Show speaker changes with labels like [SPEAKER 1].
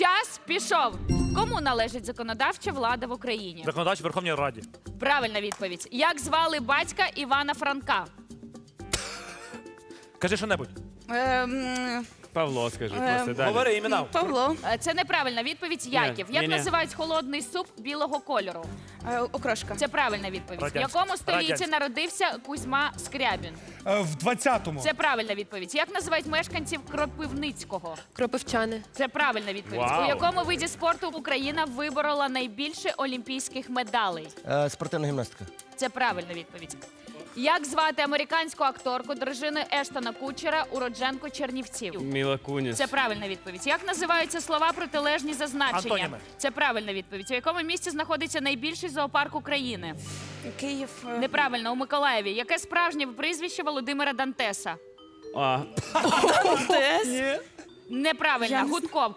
[SPEAKER 1] Час пішов. Кому належить законодавча влада в Україні?
[SPEAKER 2] Законодач в Верховній Раді.
[SPEAKER 1] Правильна відповідь. Як звали батька Івана Франка?
[SPEAKER 2] Кажи що-небудь.
[SPEAKER 3] Павло, скажи, просто далі.
[SPEAKER 2] Говори імена.
[SPEAKER 4] Павло.
[SPEAKER 1] Це неправильна відповідь. Яків. Як
[SPEAKER 3] ні.
[SPEAKER 1] називають холодний суп білого кольору?
[SPEAKER 4] Окрошка.
[SPEAKER 1] Це правильна відповідь. В
[SPEAKER 2] Радянська.
[SPEAKER 1] якому столітті
[SPEAKER 2] Радянська.
[SPEAKER 1] народився Кузьма Скрябін?
[SPEAKER 5] В 20-му.
[SPEAKER 1] Це правильна відповідь. Як називають мешканців Кропивницького?
[SPEAKER 4] Кропивчани.
[SPEAKER 1] Це правильна відповідь.
[SPEAKER 3] Вау.
[SPEAKER 1] У якому виді спорту Україна виборола найбільше олімпійських медалей?
[SPEAKER 6] Спортивна гімнастика.
[SPEAKER 1] Це правильна відповідь. Як звати американську акторку дружину Ештона Кучера, уродженку Чернівців?
[SPEAKER 3] Міла Куніс.
[SPEAKER 1] Це правильна відповідь. Як називаються слова протилежні за значенням?
[SPEAKER 2] Антоніми.
[SPEAKER 1] Це правильна відповідь. У якому місті знаходиться найбільший зоопарк України?
[SPEAKER 4] Київ.
[SPEAKER 1] Неправильно, у Миколаєві. Яке справжнє прізвище Володимира Дантеса?
[SPEAKER 3] А,
[SPEAKER 1] Неправильно, Гудков.